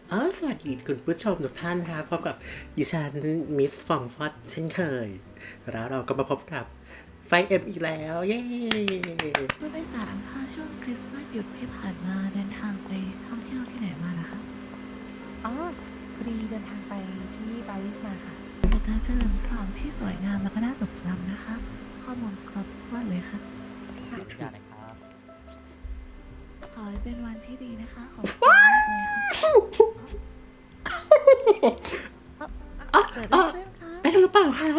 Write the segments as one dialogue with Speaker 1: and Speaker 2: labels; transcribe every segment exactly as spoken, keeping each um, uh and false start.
Speaker 1: อ๋อสวัสดีคุณผู้ชมทุกท่านครับพบกับดิฉันมิสฟองฟอดเช่นเคยแล้วเราก็มาพบกับไฟเอ็มอีกแล้วเย้
Speaker 2: ผู้โดยสารค่ะช่วงคริสต์มาสหยุดที่ผ่านมาเดินทางไปท่องเที่ยวที่ไหนมานะคะ
Speaker 3: อ๋อพอดีเดินทางไปที่ปารีสมาค่ะ
Speaker 2: เป็นการเฉลิมฉลองที่สวยงามและก็น่าจดจำนะคะ ข้อมูลครบถ้วนเลยค่ะ
Speaker 4: ขออนุญาตนะครับ
Speaker 2: ขอให้เป็นวันที่ดีนะคะขอบคุณมากเลยค่ะเอ้าเกิดอะไรขึ้นคะ
Speaker 1: ไปกันหรือเปล่าคะ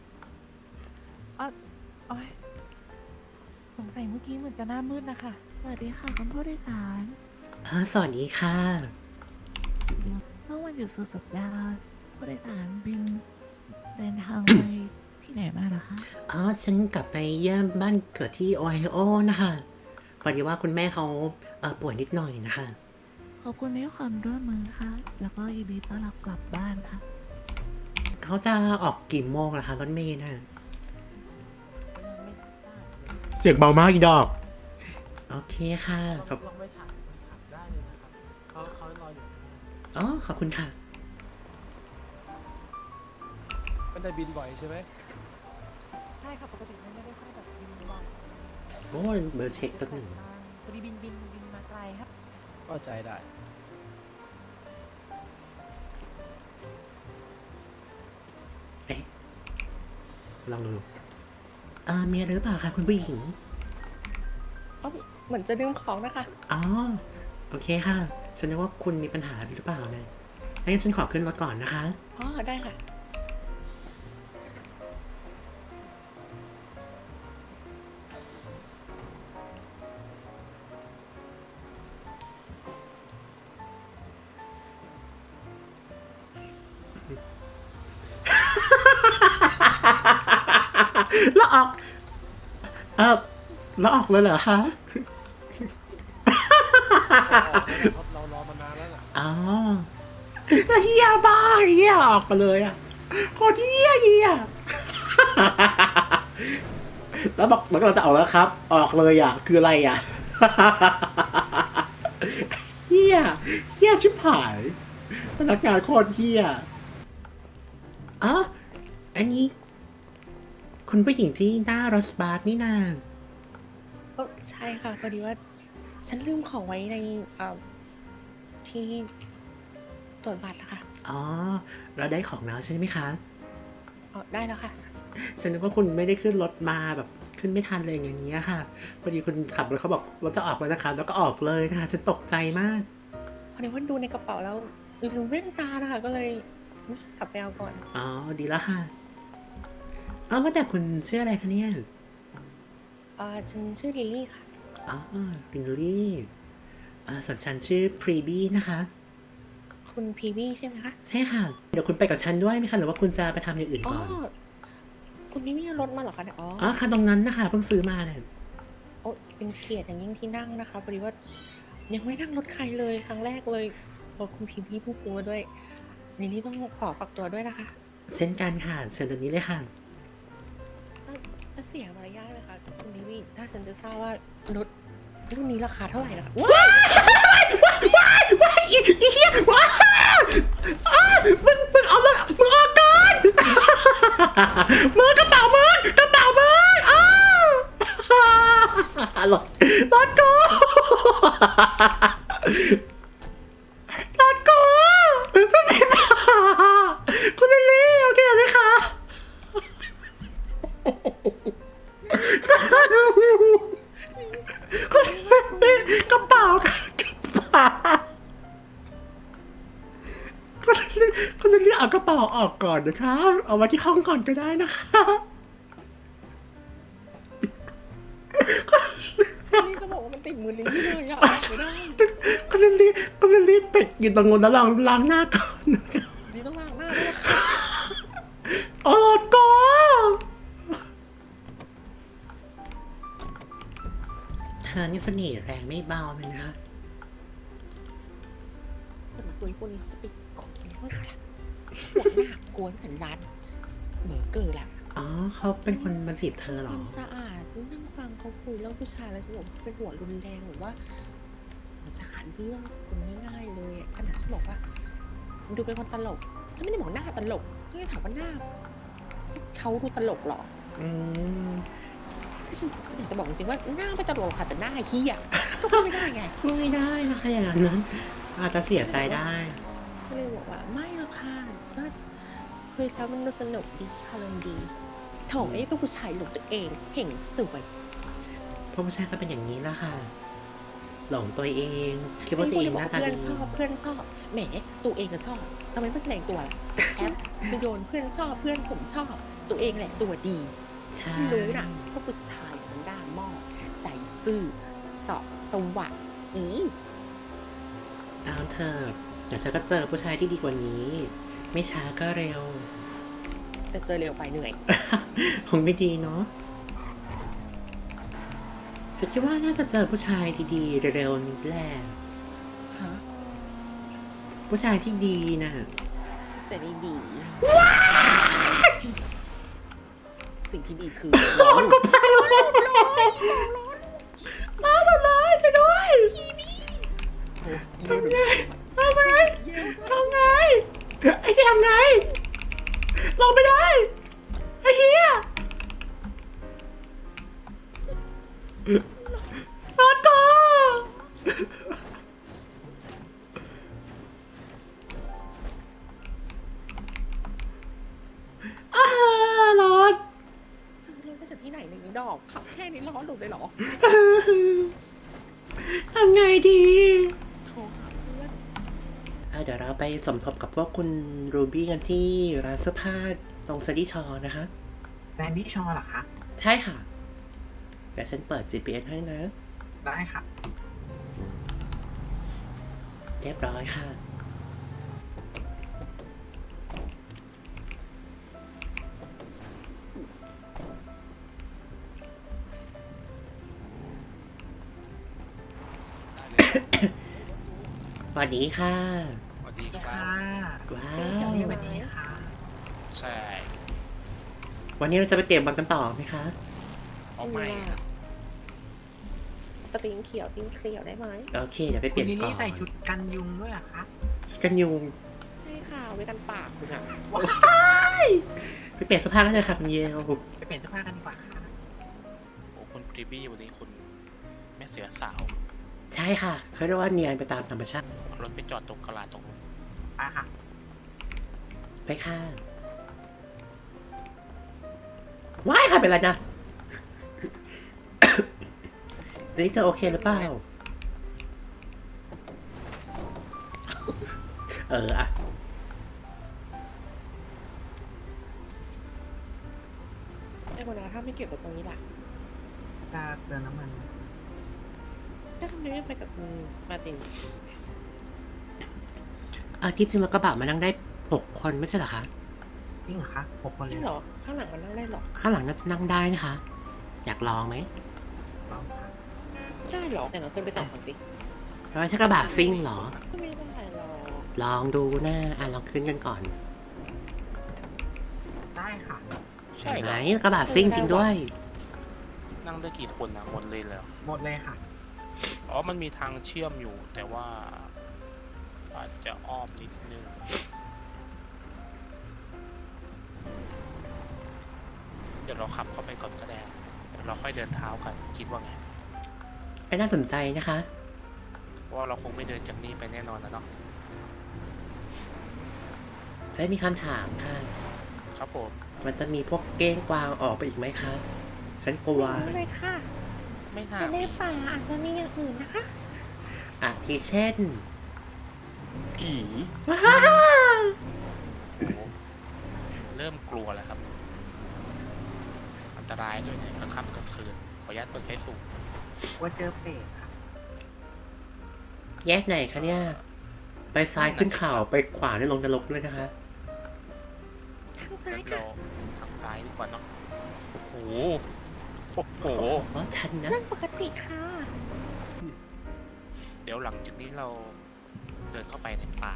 Speaker 3: โอ้ยสงสัยเมื่อกี้เหมือนจะหน้ามืดนะคะ
Speaker 2: สวัสดีค่ะคุณผู้โดยสาร
Speaker 1: อ๋อสวัสดีค่ะ
Speaker 2: ช่วงวันหยุดสุดสัปดาห์ผู้โดยสารบินเดินทางไปที่ไหนมาเหรอคะ
Speaker 1: อ๋อฉันกลับไปเยี่ยมบ้านเกิดที่โอไฮโอนะคะพอดีว่าคุณแม่เขาเออป่วยนิดหน่อยนะคะ
Speaker 2: ขอบคุณในความร่วมมือค่ะ แล้วก็ยินดีต้อนรับกลับบ้านค่ะ
Speaker 1: เขาจะออกกี่โมงล่ะคะรถเมล์น่ะเสียงเบามากอีดอกโอเคค่ะขอบ
Speaker 4: ลองไปถามถามได้เลยนะครับเขาเขารออยู่
Speaker 1: อ๋อขอบคุณค่ะ
Speaker 4: มันได้บินบ่อยใช่ไหม
Speaker 3: ใช่ค่ะปกติมันไม่ได้ค่อยแบบบินบ่อย
Speaker 1: โอ้ยเบอร์เช็คตัวหนึ่ง
Speaker 3: พอดีบินบินบินมาไกลครับ
Speaker 4: ก็ใจได้
Speaker 1: เอ๊ะลองดูเอ่อมีอะไรหรือเปล่าคะคุณผู้หญิง
Speaker 5: อ๋อเหมือนจะลืมของนะคะ
Speaker 1: อ๋อ โอเคค่ะ ฉันนึกว่าคุณมีปัญหาหรือเปล่านะงั้นฉันขอขึ้นรถก่อนนะคะ
Speaker 5: อ๋อ ได้ค่ะ
Speaker 1: แล้วออก เออแล้วออกเลยเหรอคะ
Speaker 4: เราเรารอมานานแล้วน่ะ
Speaker 1: อ๋อแล้วเฮียบ้าเฮียออกมาเลยอ่ะโคตรเฮียเฮีย แล้วบอกแล้วเราจะออกแล้วครับ ออกเลยอ่ะ คืออะไรอ่ะ เฮียเฮียชิบหายพนักงานโคตรเฮียอ๋ออันนี้ คุณผู้หญิงที่หน้ารถสปาร์คนี่นา
Speaker 5: ก็ใช่ค่ะ พอดีว่า ฉันลืมของไว้ในเอ่อที่ตรวจบัตรนะคะ
Speaker 1: อ๋อเราได้ของแล้วใช่ไหมคะ
Speaker 5: อ๋อ ได้แล้วค่ะ
Speaker 1: ฉันนึกว่าคุณไม่ได้ขึ้นรถมาแบบขึ้นไม่ทันเลยอย่างนี้ยค่ะพอดีคุณขับรถเขาบอกรถจะออกแล้วนะคะแล้วก็ออกเลยนะคะฉันตกใจมาก
Speaker 5: พอดีว่าดูในกระเป๋าแล้วลืมแว่นตานะคะ ก็เลยกลับไปเอาก่อน
Speaker 1: อ๋อดีแล้วค่ะอ๋อว่าแต่คุณชื่ออะไรคะเนี่ย
Speaker 5: อ่า ฉันชื่อลิลลี่ค่ะ
Speaker 1: อ๋อรินลี่อ่าส่วนฉันชื่อพรีบี้นะคะ
Speaker 5: คุณพีวี่ใช่ไหมคะ
Speaker 1: ใช่ค่ะเดี๋ยวคุณไปกับฉันด้วยไหมคะหรือว่าคุณจะไปทำอย่างอื่น
Speaker 5: อ๋อ
Speaker 1: ก่อน
Speaker 5: คุณพีวี่เอารถมาเหรอคะเนี่ยอ๋อ
Speaker 1: อ๋อค่ะตรงนั้นนะคะเพิ่งซื้อมาเนี่ย
Speaker 5: โอ้เป็นเกียรติอย่างยิ่งที่นั่งนะคะ พอดีว่ายังไม่นั่งรถใครเลยครั้งแรกเลยรถคุณพีวี่เพิ่งซื้อมาด้วยลิลลี่ต้องขอฝากตัวด้วยนะคะ
Speaker 1: เช่นกันค่ะเชิญตรงนี้เลยค่ะ
Speaker 5: จะเสียมารยาทไหมคะคุณดิวี่ถ้าฉันจะทราบว่ารถรุ่นนี้ราคาเท่าไหร่นะคะว้าว
Speaker 1: ว้ายว้ายอีอีเหี้ยว้ายอ้ามึงมึงเอาเลยมึงออกก่อนมือกระเป๋ามือกระเป๋ามืออ้ารถรถกูรถกูไม่มีปัญหาคุณลิลลี่โอเคไหมคะคุณลิลลี่กระเป๋าค่ะกระเป๋า คุณลิลคุณลิลลี่เอากระเป๋าออกก่อนนะคะ เอาไว้ที่ห้องก่อนก็ได้นะคะ
Speaker 5: นี่จะบอกว่ามันติดมือลิลลี่เลยอะไม่ได้
Speaker 1: คุณลิลลี่คุณลิลลี่เป็ดอยู่ตรงนู้นแล้วลองล้างหน้าก่อน
Speaker 5: นี่ต้องล้างหน้าด้วยค่ะ
Speaker 1: โอ้โหโกเธอนี่เสน่ห์แรงไม่เบาเลยนะคะ
Speaker 5: คนตัวพวกนี้สปิกของนี่เท่าไหร่ล่ะหัวหน้ากวนสันร้านเบอร์เกอร์ล่ะ
Speaker 1: อ๋อเขาเป็นคนมาจีบเธอเหรอ
Speaker 5: ความสะอาดฉันนั่งฟังเขาคุยเรื่องผู้ชายแล้วฉันบอกว่าเขาเป็นหัวรุนแรงหรือว่าจะหาเรื่องคุณง่ายๆเลยอะขนาดฉันบอกว่าดูเป็นคนตลกฉันไม่ได้บอกหน้าตลกฉันจะถามว่าหน้าเขาดูตลกเหรอ
Speaker 1: อืม
Speaker 5: ถ้าฉันอยากจะบอกจริงๆว่าหน้าไม่ตลกค่ะแต่หน้าเฮียก็พูดไม่ได้ไง
Speaker 1: พูดไม่ได้นะคะอย่างนั้น อาจจะเสียใจได้
Speaker 5: ก็เลยบอกว่าไม่หรอกค่ะก็คุยแล้วมันสนุกดีค่ะลมณ์ดีโถไอ้พวกผู้ชายหลงตัวเองเห็นสวย
Speaker 1: เพราะผู้ชายก็เป็นอย่างนี้ละค่ะ หลงตัวเอง คิดว่าตัวเองหน้าตา
Speaker 5: เพื่อน
Speaker 1: ดี
Speaker 5: ชอบเพื่อนชอบแหมตัวเองก็ชอบทำไมไม่แสดงตัวล่ะแอปไปโยนเพื่อนชอบเพื่อนผมชอบ ตัวเองแหละตัวดี
Speaker 1: ใช่
Speaker 5: ที่รู้น่ะพวกผู้ชายมันด่าหม้อใจซื่อสอบสวัสดอี
Speaker 1: เอาเถอะเดี๋ยวเธอก็เจอผู้ชายที่ดีกว่านี้ ไม่ช้าก็เร็ว
Speaker 5: แต่เจอเร็วไปเหนื่อย
Speaker 1: คงไม่ดีเนาะฉันคิดว่าน่าจะเจอผู้ชายดีๆเร็วๆนี้แหละ
Speaker 5: ฮะ
Speaker 1: ผู้ชายที่ดีน่ะ
Speaker 5: เสร็จดีสิ่งที่ดีคือ
Speaker 1: ร้อนก็พายร้อนร้อนร้อนร้อนร้อนจะด้วยทำไงทำไงทำไงไอ้เหี้ยทำไงลงไปได้ไอ้เหี้ยร้อนก็อ้าร้อน
Speaker 5: ซื้อรถมาจากที่ไหนในยอีดอกขับแค่นี้ร้อนหลุดเลยเหรอ
Speaker 1: ทำไงดี
Speaker 5: โทรหาเพื่อน
Speaker 1: เอ่อเดี๋ยวเราไปสมทบกับพวกคุณรูบี้กันที่ร้านเสื้อผ้าตรงซันดี้ชอนะคะ
Speaker 6: แซนดี้ชอเหรอคะ
Speaker 1: ใช่ค่ะ เดี๋ยวฉันเปิด จี พี เอส ให้นะ
Speaker 6: ได้ค่ะ
Speaker 1: เรียบร้อยค่ะ สวัสดีค่ะ
Speaker 7: สวัสดีครั
Speaker 6: ค่ะ
Speaker 7: บ
Speaker 1: ว้า
Speaker 5: เดี๋ยว
Speaker 1: ว
Speaker 5: นี้
Speaker 6: สวัสดีค่ะ
Speaker 7: ใช่
Speaker 1: วันนี้เราจะไปเตะบอลกันต่อไหมคะ
Speaker 7: เอาไม่ครับ
Speaker 5: ตะติงเขียวติงเขียวได้ไหม
Speaker 1: โอเค เดี๋ยวไปเป
Speaker 6: คุ
Speaker 1: ลี่
Speaker 6: ณ
Speaker 1: ยน
Speaker 6: นิ
Speaker 1: ก่อ
Speaker 6: นี่
Speaker 1: น
Speaker 6: ใส่ชุดกันยุงด้วยเหรอคะ
Speaker 1: ชุดกันยุง
Speaker 5: ใช่ค่ะไว้กันปากคุณอะ
Speaker 1: ไปเปลี่ยนเสื้อผ้ากันเลยค่ะคุณเยล
Speaker 6: ไปเปลี่ยนเสื้อผ้ากันดีกว่าค่ะ
Speaker 7: โอ้คุณพรีบี้วันนี้คุณแม่เสือสาว
Speaker 1: ใช่ค่ะเขาเรียกว่าเนียนไปตามธรรมชาติ
Speaker 7: เอารถไปจอดตรงกลาดตรงนู้น
Speaker 6: ไปค่ะ
Speaker 1: ไปค่ะ ว้ายค่ะเป็นไรนะ อันนี้เธอโอเคหรือเปล่า เอออะ
Speaker 5: ไอ้คนนะถ้าไม่เกี่ยวกับตรงนี้ล่ะ
Speaker 6: จะเติมน้ำมัน
Speaker 5: แล้วทำไมไม่ไปกับคุณมาร์ติน
Speaker 1: เออที่จริงแล้วกระบะมานั่งได้หกคนไม่ใช่เหรอคะ
Speaker 6: จริงเหรอคะหกคนเล
Speaker 5: ใช่
Speaker 6: ย
Speaker 5: เหรอ ข้างหลังมันนั่งได้เหรอ
Speaker 1: ข้างหลังน่าจะนั่งได้นะคะ อยากลองไหม
Speaker 6: ลองค่ะ
Speaker 5: ได้เหรอ แต่เราขึ้นไปสองคนสิ
Speaker 1: เพราะว่าใช่กระบะซิ่งเหรอ
Speaker 5: ไม่ได้หรอก
Speaker 1: ลองดูนะอ่ะลองขึ้นกันก่อน
Speaker 6: ได้ค่ะ
Speaker 7: ใช่
Speaker 1: เห็น
Speaker 7: เห
Speaker 1: ไห
Speaker 7: ร
Speaker 1: ม
Speaker 7: อก
Speaker 1: ระบะซิ่งจริงด้วย
Speaker 7: นั่งได้กี่คนนะหมดเลยแล้ว
Speaker 6: หมดเลยค่ะ
Speaker 7: อ๋อมันมีทางเชื่อมอยู่ แต่ว่า อาจจะอ้อมนิดนึงเดี๋ยวเราขับเข้าไปก่อนก็ได้เดี๋ยวเราค่อยเดินเท้ากันคิดว่าไง
Speaker 1: ก็น่าสนใจนะคะ
Speaker 7: เพราะว่าเราคงไม่เดินจากนี่ไปแน่นอนนะเนาะ
Speaker 1: จะมีคำถามค่ะ
Speaker 7: ครับผม
Speaker 1: มันจะมีพวกเก้งกวางออกไปอีกไหมคะ ฉันกลัว
Speaker 5: ไม่เลยค่ะ
Speaker 7: ไม่น่า
Speaker 5: แต่ใน
Speaker 7: มี
Speaker 5: ป่าอาจจะมีอย่างอื่นนะคะ
Speaker 1: อาทิเช่น
Speaker 7: ผี
Speaker 1: ว้าว
Speaker 7: โอ้โหเริ่มกลัวแล้วครับ อันตรายด้วยเนี่ยกลางค่ำกลางคืนขออนุญาตเปิดไฟสูง
Speaker 6: ว่าเจอเป็ดค่ะ
Speaker 1: แยกไหนคะเนี่ย ไปซ้ายขึ้นเขาไปขวาเนี่ยลงนรกเลยนะคะ
Speaker 5: ทางซ้าย
Speaker 7: เรา
Speaker 5: ค่ะ
Speaker 7: ทางซ้ายดีกว่าเนาะโอ้โหโอ้โห
Speaker 1: อ๋อชันนะ
Speaker 5: เรื่องปกติค่ะ
Speaker 7: เดี๋ยวหลังจากนี้เราเดินเข้าไปในป่า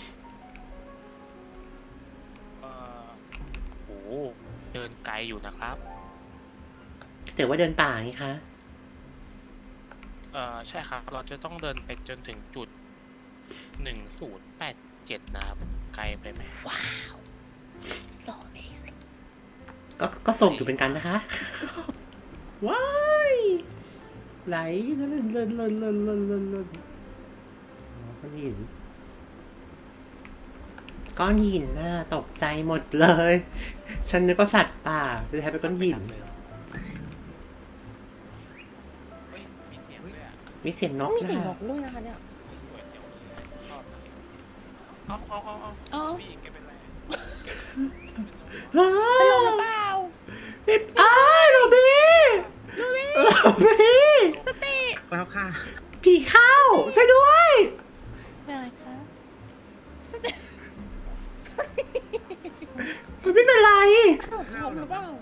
Speaker 7: เอ่อโอ้โหเดินไกลอยู่นะครับ
Speaker 1: แต่ว่าเดินป่าไงคะ
Speaker 7: เเอ่อใช่ครับ เราจะต้องเดินไปจนถึงจุดหนึ่งศูนย์แปดเจ็ดนะครับไกลไปไหม
Speaker 5: so amazing
Speaker 1: ก็ก็ส่งอยู่เป็นกันนะคะ ว้ายไหลเล่นเล่นเล่นเล่นเล่นเล่นเล่นอ๋อก้อนหินก้อนหินน่ะตกใจหมดเลย ฉันนึกว่าสัตว์ป่าจะแท้เป็นก้อนหิน
Speaker 7: เลยเหรอเฮ้ยมีเสียงด้วยอ่ะ
Speaker 1: มีเสียงนก
Speaker 5: มี
Speaker 1: นะ
Speaker 5: เสียงน
Speaker 1: คะ
Speaker 5: กด้วยนะคะเนี่ย
Speaker 7: สวยเจ๋วเลยชอบนะเอาเอาเอาเอา
Speaker 5: เอา
Speaker 7: พี่แกเป็นไร
Speaker 1: อ้า
Speaker 5: เป็นลมหรือเปล่า
Speaker 1: พี่อ้ายโรบี้โรบี้
Speaker 5: สติ
Speaker 6: แล้วค่ะ
Speaker 1: ผีเข้าช่วยด้วย
Speaker 2: เป็นอะไรคะ
Speaker 1: โรบี้เป็นไร
Speaker 5: ตกลมหรือเปล่า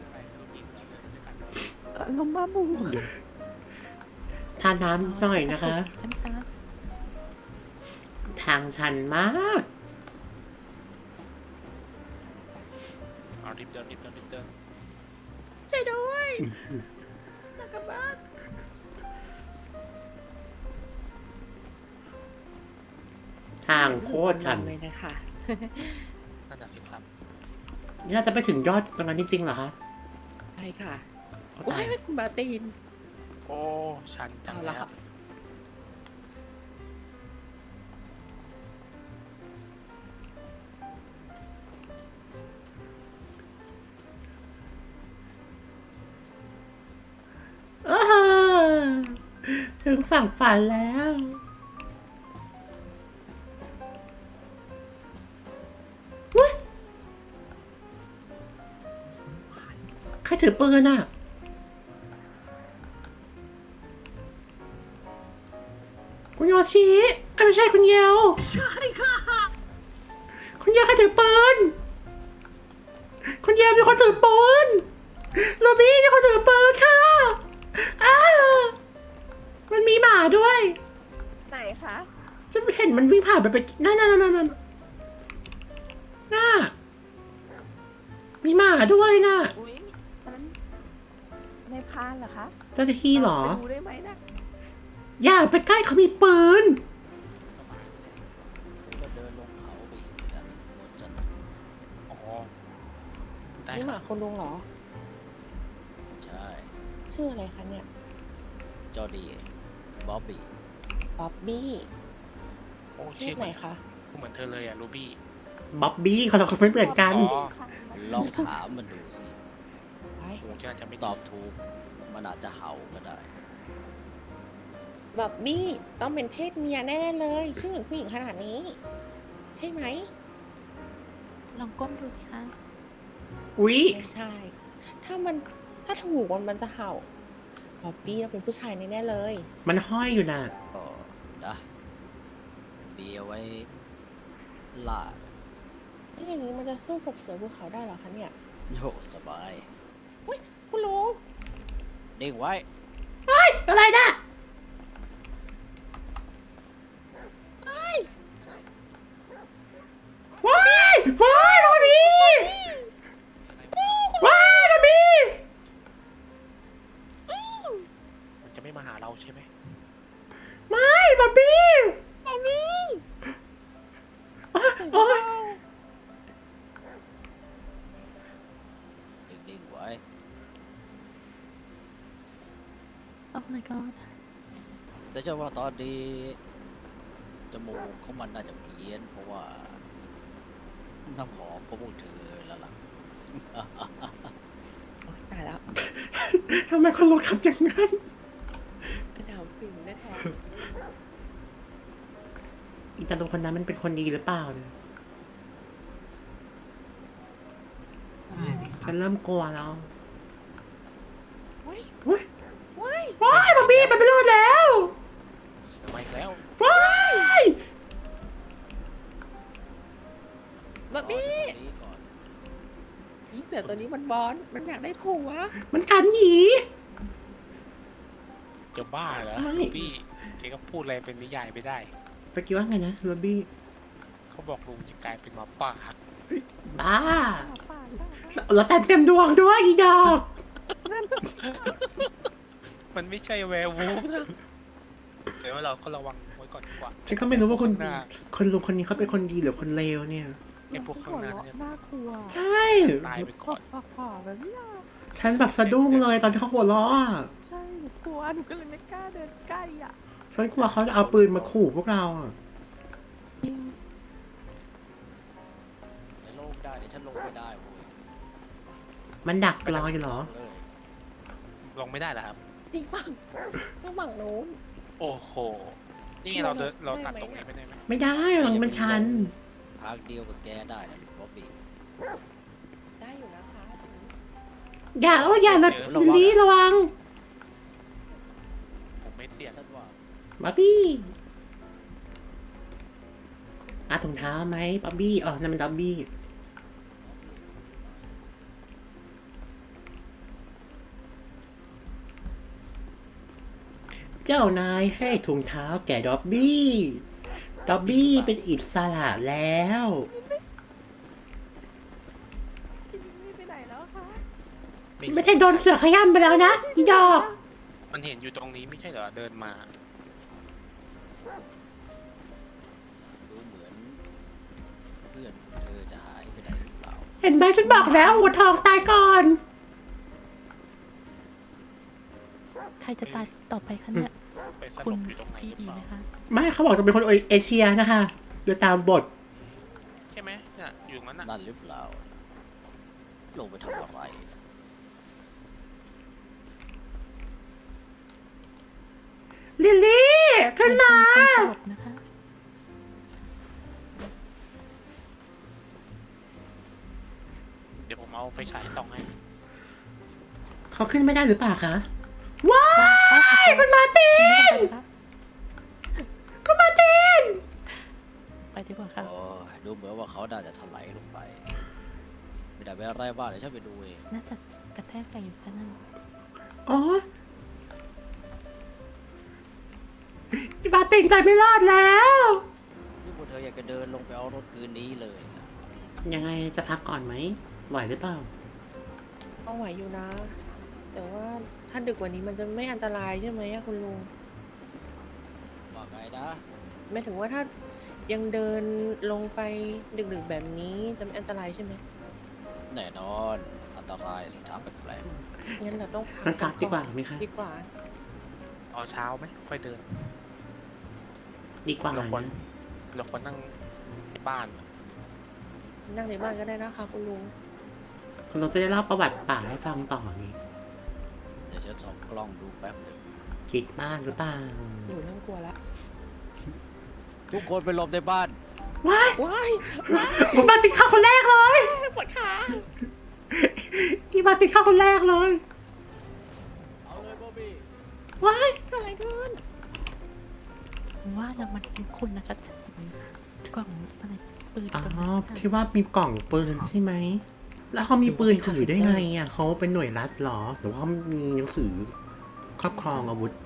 Speaker 2: ลมบ้าบู
Speaker 1: ทานน้ำหน่อยนะคะ
Speaker 2: ใช่ไหมคะ
Speaker 1: ทางชันมาก
Speaker 7: เอารีบเดินรีบเดินรีบเดิน
Speaker 5: ช่วยด้วยอยากกลับบ้าน
Speaker 1: ทางโคตรชัน
Speaker 5: เลยนะคะ
Speaker 7: นั่นน่ะสิครับ
Speaker 1: นี่เราจะไปถึงยอดตรงนั้นจริงๆเหรอคะ
Speaker 5: ใช่ค่ะ
Speaker 1: โอ้
Speaker 5: ว้า
Speaker 1: ตาย
Speaker 5: ยคุณบาตีน
Speaker 7: โอ้ชันจัง
Speaker 5: เอา
Speaker 7: แล้
Speaker 5: ละ
Speaker 7: ว
Speaker 5: ค่ะ
Speaker 1: เออถึงฝั่งฝันแล้วอุ๊ยใครถือปืนอ่ะ คุณโยชิเอ้ยไม่ใช่คุณเยวใช่ค่ะ คุณเยวใครถือปืน คุณเยวมีคนถือปืนโรบี้มีคนถือปืนค่ะอ้าวมันมีหมาด้วย
Speaker 5: ไหนคะ
Speaker 1: จะเห็นมันวิ่งผ่านไปไปนั่นนั่นนั่นนั่นน่ามีหมาด้วยน่ะ
Speaker 2: อุ้ยอันนั้นในพานเหรอคะ
Speaker 1: เจ้าหน้าที่เหรอ
Speaker 2: ไปดูได้ไหมนะ
Speaker 1: อย่าไปใกล้เขามีปืน
Speaker 8: ก็เดินลงเขาไปอีกกันบนจัน
Speaker 7: อ๋อได้
Speaker 5: นี่
Speaker 7: ค
Speaker 5: ห
Speaker 7: รั
Speaker 5: มา
Speaker 7: บ
Speaker 5: คุณลุงเหรอ
Speaker 8: ใช่
Speaker 5: ชื่ออะไรคะเนี่ย
Speaker 8: จอดีบ๊อบบี้
Speaker 5: บ๊อบบี้
Speaker 7: โอ้
Speaker 5: เพ
Speaker 7: ชื่
Speaker 5: ศ
Speaker 7: อเห
Speaker 5: ไหน
Speaker 7: มือน
Speaker 5: คะ
Speaker 7: เหมือนเธอเลยอ่ะรูบี้
Speaker 1: บ๊อบบี้เขาเราไม่เหมือนกัน
Speaker 7: อ๋อ
Speaker 8: ลองถามมันดูสิ
Speaker 5: ไป
Speaker 7: โอ้จะจะไม่
Speaker 8: ตอบถูก มันอาจจะเห่าก็ได้
Speaker 5: บ๊อบบี้ต้องเป็นเพศเมียแน่เลย ชื่อเหมือนผู้หญิงขนาดนี้ ใช่ไหม
Speaker 2: ลองก้มดูสิคะ
Speaker 1: อุ๊ย
Speaker 5: ไม่ใช่ ถ้ามันถ้าถูกมันมันจะเห่าบ๊อบบี้เราเป็นผู้ชายแน่ๆเลย
Speaker 1: มันห้อยอยู่น่ะ
Speaker 8: ก็นะมีเอาไว้ล่า
Speaker 5: ถ้าอย่างนี้มันจะสู้กับเสือภูเขาได้เหรอคะเนี่ย
Speaker 8: โยสบาย
Speaker 5: คุณลุง
Speaker 8: นิ่งไว้
Speaker 1: อะไรน่ะว้ายว้ายบอบบี้ว้ายบอบบี้
Speaker 7: มันจะไม่มาหาเราใช่ไหม
Speaker 1: ไม่บอบบี้บอบบี้โอ๊ย
Speaker 8: นิ่งๆไว้
Speaker 2: โอ้ my god
Speaker 8: แต่เจ้าว่าตอนนี้จมูกของมันน่าจะเพี้ยน เพราะว่าน้ำหอมก็พูดถึงเลยแล้วล่ะ
Speaker 5: โอ๊ยตายแล้ว
Speaker 1: ทำไมคนรถขับอย่างนั้น
Speaker 5: กระดาวฟินแน่แท้
Speaker 1: อีตาลุงคนนั้นมันเป็นคนดีหรือเปล่าเนี่ย
Speaker 6: ใช่สิ
Speaker 1: ฉันเริ่มกลัวแล้ว
Speaker 5: เฮ้ย
Speaker 1: ว้าย
Speaker 5: เว้ย
Speaker 1: ว้ายบอบบี้มันไม่รอดแล้ว
Speaker 7: มาอีกแล้ว
Speaker 1: ว้าย
Speaker 5: บ๊อบบี้
Speaker 8: รอจากตรงนี้ก่อน
Speaker 5: อีเสือตัวนี้มันบอลมันอยากได้ผัว
Speaker 1: มันกันหยี
Speaker 7: จะบ้าเหรอ
Speaker 1: ไม่
Speaker 7: รูบี้แกก็พูดอะไรเป็นนิยายไม่ได้
Speaker 1: ไปคิดว่าไงนะบอบบี้
Speaker 7: เขาบอกลุงจะกลายเป็นหมาป่า
Speaker 1: บ้า
Speaker 2: หมาป่าหรือเปล่าคะ
Speaker 1: แล้วแต่เต็มดวงด้วยอีดอก
Speaker 7: มันไม่ใช่แวร์วูฟนะเดี๋ยวเราก็ระวังไว้ก่อนดีกว่า
Speaker 1: ฉันก็ไม่รู้ว่าคุณ
Speaker 7: ข้างหน้า
Speaker 1: คนลุงคนนี้เขาเป็นคนดีหรือคนเลวเนี่ย
Speaker 7: ไอ้พวกข้างหน้าเนี่ย
Speaker 3: น่ากลัว
Speaker 1: ใช่
Speaker 7: ตายไปก่อน
Speaker 3: ฝ่าๆแบบเนี้ย
Speaker 1: ฉันแบบสะดุ้งเลยตอนที่เขาหัวเราะอะ
Speaker 3: ใช่หนูกลัวหนูก็เลยไม่กล้าเดินใกล้อ่ะ
Speaker 1: ฉันกลัวเขาจะเอาปืนมาขู่พวกเราอ่ะ
Speaker 3: จริง
Speaker 8: ไอ้โลกได้เดี๋ยวฉันลงไม่ได้เว้ย
Speaker 1: มันดักรออยู่เหรอ
Speaker 8: เลย
Speaker 7: ลงไม่ได้เหรอครับ
Speaker 5: อีกฝั่งต้องฝั่งนู้น
Speaker 7: โอ้โห นี่ไงเราเดินเราตัดตรงนี้ไปได้ไหม
Speaker 1: ไม่ได้หลังมันชัน
Speaker 8: ทางเดียวกับแกได้นะบ๊อบบี้
Speaker 5: ได้อยู่นะคะ
Speaker 1: อย่าโอ้อย่านะลิลลี่ระวัง
Speaker 7: ผมไม่เสี่ยง
Speaker 8: ฉันว่า
Speaker 1: บ๊อบบี้อาถุงเท้าไหมบ๊อบบี้อ๋อนั่นมันบ๊อบบี้เจ้านายให้ถุงเท้าแก่ด็อบบี้ด็อบบี้เป็นอิสระแล้ว
Speaker 3: พี่นี่ไปไหนแล้วคะ
Speaker 1: ไม่ใช่โดนเสือขย้ำไปแล้วนะอีดอก
Speaker 7: มันเห็นอยู่ตรงนี้ไม่ใช่เหรอเดินมา
Speaker 8: ดูเหมือนเพื่อนเธอจะหายไปไหนหรือเปล่า
Speaker 1: เห็นไหมฉันบอกแล้วหัวทองตายก่อน
Speaker 2: ใครจะตายต่อไปคะเนี่ย
Speaker 7: ไปส
Speaker 2: คุ
Speaker 7: ล
Speaker 2: ณ
Speaker 7: บอยู่ตรงไหน
Speaker 2: ฟี
Speaker 7: หรือ
Speaker 2: บี
Speaker 7: เปล่า
Speaker 2: ไหมคะ
Speaker 1: ไม่เขาบอกจะเป็นคนเอเชียนะคะโดยตามบท
Speaker 7: ใช่ไหมเนี่ยอยู่ตรงนั้นน่ะ
Speaker 8: นั่นหรือเปล่า ลงไปทำอะไร
Speaker 1: ลิลลี่ขึ้นมา
Speaker 2: เป็นคนสลบนะคะ
Speaker 7: เดี๋ยวผมเอาไฟฉายส่องให้
Speaker 1: เขาขึ้นไม่ได้หรือเปล่าคะว้ายคุณมาร์ติ
Speaker 2: ฉันไม่
Speaker 1: น
Speaker 2: ต้องไปนะคะ
Speaker 1: คุณมาร์ติน
Speaker 2: ไปดีกว่าค่ะ
Speaker 8: โอ้ยดูเหมือนว่าเขาน่าจะถลายลงไป ไม่ได้ไปอะไรบ้างเดี๋ยวฉันไปดูเอง
Speaker 2: น่าจะกระแทกกันอยู่แค่นั้น
Speaker 1: อ๋อคุณมาร์ตินไปไม่รอดแล้ว
Speaker 8: นี่พวกเธออยากจะเดินลงไปเอารถคืนนี้เลยนะ
Speaker 1: ยังไงจะพักก่อนไหมไหวหรือเปล่า
Speaker 5: ก็ไหวอยู่นะ แต่ว่าถ้าดึกกว่านี้มันจะไม่อันตรายใช่ไหมอะคุณลุง
Speaker 8: ว่าไงนะ
Speaker 5: ไม่ถึงว่าถ้ายังเดินลงไปดึกๆแบบนี้จะไม่อันตรายใช่ไหม
Speaker 8: แน่นอน อันตรายสิถามแปลก
Speaker 5: งั้นเราต้องพัก
Speaker 1: งั้นพักดีกว่า
Speaker 5: อน
Speaker 1: ไหมคะ
Speaker 5: ดีกว่า
Speaker 7: เอาเช้าไหมค่อยเดิน
Speaker 1: ดีกว่า
Speaker 7: เราควร
Speaker 1: นะ
Speaker 7: เราควรนั่งในบ้าน
Speaker 5: นั่งในบ้านก็ได้นะคะคุณลุง
Speaker 1: เราจะได้เล่าประวัติป่าให้ฟังต่อไง
Speaker 8: ๆเดี๋ยวฉันส่องกล้องดูแป๊บหนึ่ง
Speaker 1: คิดมากหรือเปล่า
Speaker 5: หนูเริ่มกลัวละ
Speaker 8: ทุกคนไปหลบในบ้าน
Speaker 1: ว้าย
Speaker 5: ว้าย
Speaker 1: ผมมาติดข้าวคนแรกเลย
Speaker 5: ปวดขา
Speaker 1: อีมาติดข้าวคนแรกเลย
Speaker 8: เอาเลยบ๊อบบี้
Speaker 1: ว้าย
Speaker 5: เกิดอะไรขึ้น
Speaker 2: ว่าแล้วมันเป็นคุณนะคะฉันเห็นกล่องสไนเปอร์ปืน
Speaker 1: อ๋อ
Speaker 2: ตรงนั้นค่ะ
Speaker 1: ที่ว่ามีกล่องปืนใช่ไหม แล้วเขามีปืนถือได้ไงอ่ะเขาเป็นหน่วยรัฐเหรอ หรือว่ามีหนังสือครอบครองอาวุธ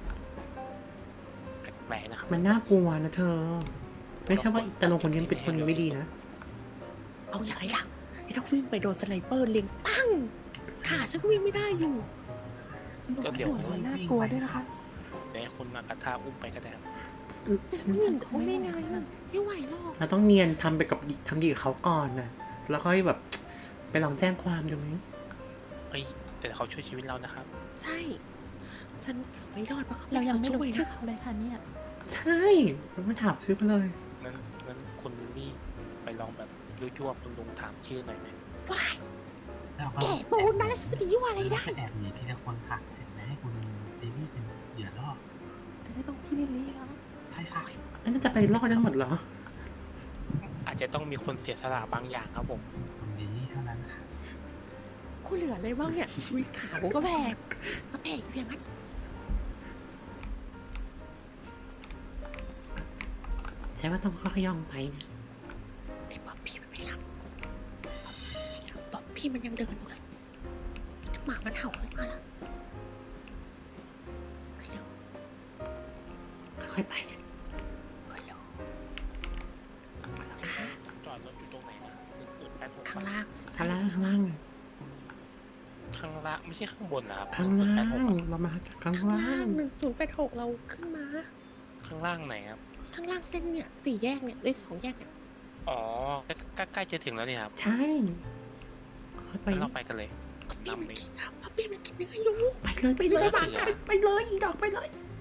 Speaker 7: แปลกๆนะครับ
Speaker 1: มันน่ากลัวนะเธอ ไม่ใช่ว่าอีตาลงคนนี้เป็นคนไม่ดีนะ
Speaker 5: เอาอย่างไรล่ะไอ้ถ้าวิ่งไปโดนสไนเปอร์เล็งปั้งขาฉันก็วิ่งไม่ได้อยู่
Speaker 7: ก็เดี๋ยว
Speaker 3: หัวน่ากลัวด้วยนะคะ
Speaker 7: เดี๋ยวให้คุณมากระทาอุ้มไปก็ได้ครับ
Speaker 1: ฉัน
Speaker 5: วิ่งเขาได้ไงอะไม่ไหวหรอก
Speaker 1: เราต้องเนียนทำไปกับทำดีกับเขาก่อนนะแล้วค่อยแบบ ไปลองแจ้งความดูไหม
Speaker 7: เฮ้ยแต่เขาช่วยชีวิตเรานะครับ
Speaker 5: ใช่ ฉันไม่รอดเพราะเขา
Speaker 2: เรายังไม่รู้
Speaker 5: ช่วย
Speaker 2: ชื่อ
Speaker 5: นะ
Speaker 2: เขาเลยค่ะเนี่ย
Speaker 1: ใช่ไม่ถามชื่อเขาเลย
Speaker 7: งั้นงั้นคุณลิลลี่ไปลองแบบยั่วๆคุณลุงถามชื่อหน่อยไหม
Speaker 5: ว้าย
Speaker 6: แล้วก็
Speaker 5: แกะปูนนะแล้วฉันจะไปยั่วอะไรได้
Speaker 6: แอบหนีทีละคนค่ะเห็นไหมให้คุณลิลลี่เป็นเหยื่อล่อ
Speaker 3: จะไม่ต้องพี่ลิลลี่แล้ว
Speaker 6: ใช่ค่ะ
Speaker 1: อันนั้นจะไปรอดได้หมดเหรอ
Speaker 7: อาจจะต้องมีคนเสียสละบางอย่างครับผม
Speaker 6: คุณลิลลี่เท่านั้นค่ะ
Speaker 5: กูเหลืออะไรบ้างเนี่ยอุ้ยขากูก็แพงก็แพงอยู่อย่างนั้น
Speaker 1: ใช่ว่าต้องค่อยๆย่องไปนะ
Speaker 5: ไอ้ป๊อปพี่มันไม่หลับป๊อปพี่มันยังเดินอยู่เลยหมามันเห่าขึ้นมาแล้วฮัลโหล
Speaker 1: ค่อยๆไปนะ
Speaker 5: ฮัลโหล
Speaker 7: จอดรถอยู่ตรงไหนนะหนึ่งศูนย์แปดหก
Speaker 5: ข้างล่าง
Speaker 1: ข้างล่างข้างล่างนะ
Speaker 7: ข้างล่างไม่ใช่ข้างบนนะครับ
Speaker 1: ข้างล่า
Speaker 7: แปดหก
Speaker 1: ง
Speaker 7: อะ
Speaker 1: เรามาจากข้าง
Speaker 5: ข้าง
Speaker 1: ล่า
Speaker 5: ล่าง
Speaker 1: ง
Speaker 5: หนึ่งศูนย์แปดหกเราขึ้นมา
Speaker 7: ข้างล่างไหนครับ
Speaker 5: ข้างล่างเส้นเนี่ยสี่แยกเนี่ยได้สองแยกเนี่ย
Speaker 7: อ๋อใกล้ใกล้ใกล้จะถึงแล้วเนี่ยครับ
Speaker 1: ใช่ค่อยไป
Speaker 7: งั้นเราไปกันเลยนำนี้
Speaker 5: ป๊อปปี้มันกินยังไงรู้
Speaker 1: ไปเลยไปเลย
Speaker 7: เสือ
Speaker 1: มากันไปเลยอีดอกไปเลย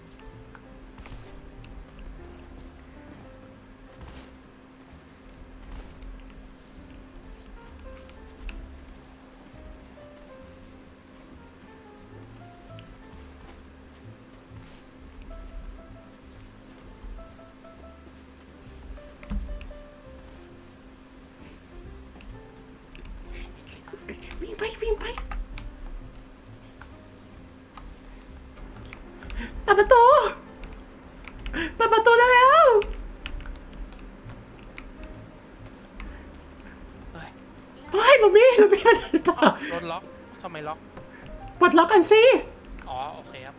Speaker 1: วิ่งไปวิ่งไปเปิดประตูเปิดประตูได้แล้ว
Speaker 7: เฮ้ย
Speaker 1: เฮ้ยลูบี้ลูบี้ไปไหนต่อ
Speaker 7: อ้าวรถล็อกทำไมล็อก
Speaker 1: ปลดล็อกกันสิ
Speaker 7: อ๋อโอเคครับ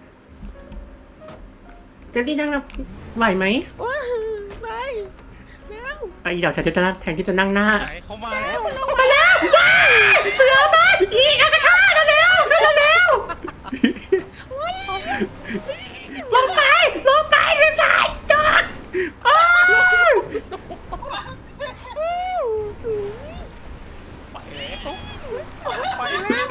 Speaker 1: เจนนี่นั่งนะไหวไหม
Speaker 5: ว้าไปแล้ว
Speaker 1: ไอ้เดี๋ยวฉันจะนั่งแทนที่จะนั่งหน้า
Speaker 7: ไหนเขามาแล้ว
Speaker 1: มาแล้วว้ายเสือมาอีอากาธาเร็วๆขึ้นเร็วลงไปลงไปเลยสายจอดโอ้ย
Speaker 7: ไปแล้วไปแล้ว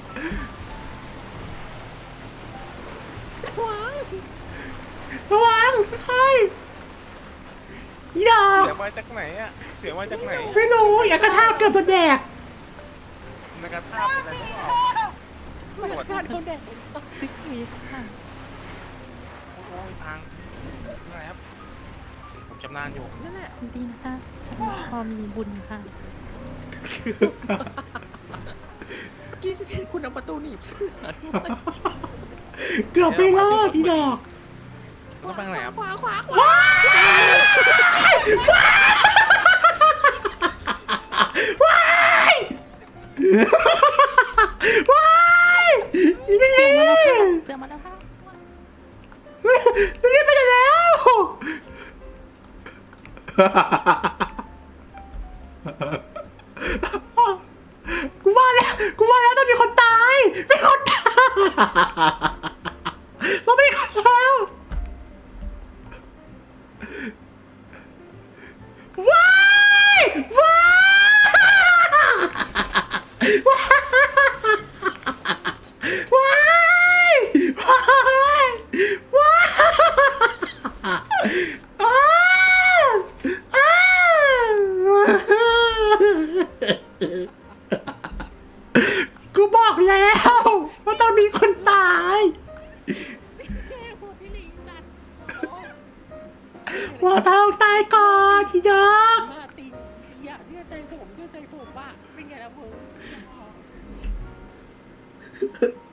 Speaker 1: ระวังค่อยๆอย่า
Speaker 7: เสียมาจากไหนอะเสียมาจากไหน
Speaker 1: ไม่รู้อากาธาเกือบโดนแดก
Speaker 7: นักธาตุอะไรหรือเปล่า
Speaker 5: มาสกัดเขาแดก
Speaker 2: ซิกซีค่ะ
Speaker 7: โอ้ยพังอะไรครับผมชำนาญอยู่
Speaker 2: นั่นแหละดีนะคะฉันพอมีบุญค่ะ
Speaker 5: กี้จะเห็นคุณเอาประตูหนีบเสื้อ
Speaker 1: เกือบไปรอดทีดอก
Speaker 7: ต้องไปทางไหนครับ
Speaker 5: ขวาขวาขวา
Speaker 1: ว้ายว้ายว้ายนี่นี่
Speaker 2: เสือมาแล้วค่ะ
Speaker 1: นี่ไปไหนแล้วกูว่าแล้วกูว่าแล้วต้องมีคนตายมีคนตายเราไม่คนแล้วว้ายว้ายว้ายว้ายว้ายว้ายอ้าวอ้าวกูบอกแล้วว่าต้องมีคนตายว่าต้องตายก่อนทีเดียว
Speaker 5: มาตีอย่าเชื่อใจผมเชื่อใจผมว่าเป็นไงล่ะมึง